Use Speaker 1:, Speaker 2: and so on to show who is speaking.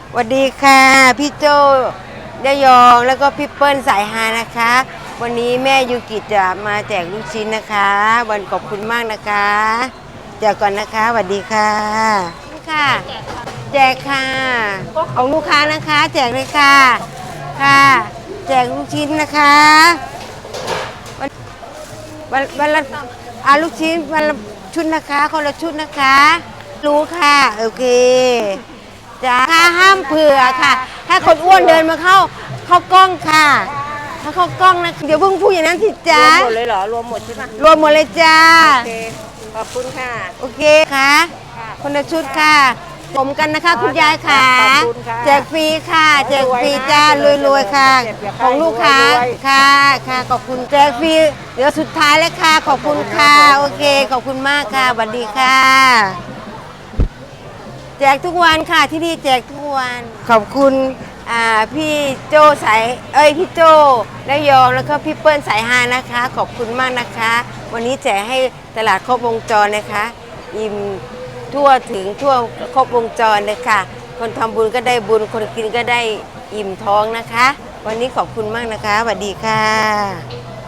Speaker 1: สวัสดีค่ะพี่โจยะยองแล้วก็พี่เปิ้ลสายฮานะคะวันนี้แม่ยูกิจะมาแจกลูกชิ้นนะคะวันขอบคุณมากนะคะแจกก่อนนะคะสวัสดีค่ะค่ะแจกค่ะของลูกค้านะคะแจกเลยค่ะค่ะแจกลูกชิ้นนะคะวันละลูกชิ้นวันละชุดนะคะคนละชุดนะคะรู้ค่ะโอเคจ้าห้ามเผื่อค่ะถ้าคนอ้วนเดินมาเข้ากล้องค่ะถ้าเข้ากล้องนะเดี๋ยวเพิ่งพูดอย่างนั้นสิจ้าร
Speaker 2: วมหมดเลยเหรอรวมหมดใช่ปะ
Speaker 1: รวมหมดเลยจ้า
Speaker 2: โอเคขอบคุณค่ะ
Speaker 1: โอเคค่ะคนละชุดค่ะผมกันนะคะคุณยายค่ะ
Speaker 2: ขอบคุณค่ะ
Speaker 1: แจกฟรีค่ะแจกฟรีจ้ารวยๆค่ะของลูกค้าค่ะค่ะขอบคุณแจกฟรีเดี๋ยวสุดท้ายแล้วค่ะขอบคุณค่ะโอเคขอบคุณมากค่ะสวัสดีค่ะแจกทุกวันค่ะที่นี่แจกทุกวันขอบคุณพี่โจสายพี่โจและยองแล้วก็พี่เปิ้ลสายฮานะคะขอบคุณมากนะคะวันนี้แจกให้ตลาดครบวงจรนะคะอิ่มทั่วถึงทั่วครบวงจรเลยค่ะคนทำบุญก็ได้บุญคนกินก็ได้อิ่มท้องนะคะวันนี้ขอบคุณมากนะคะสวัสดีค่ะ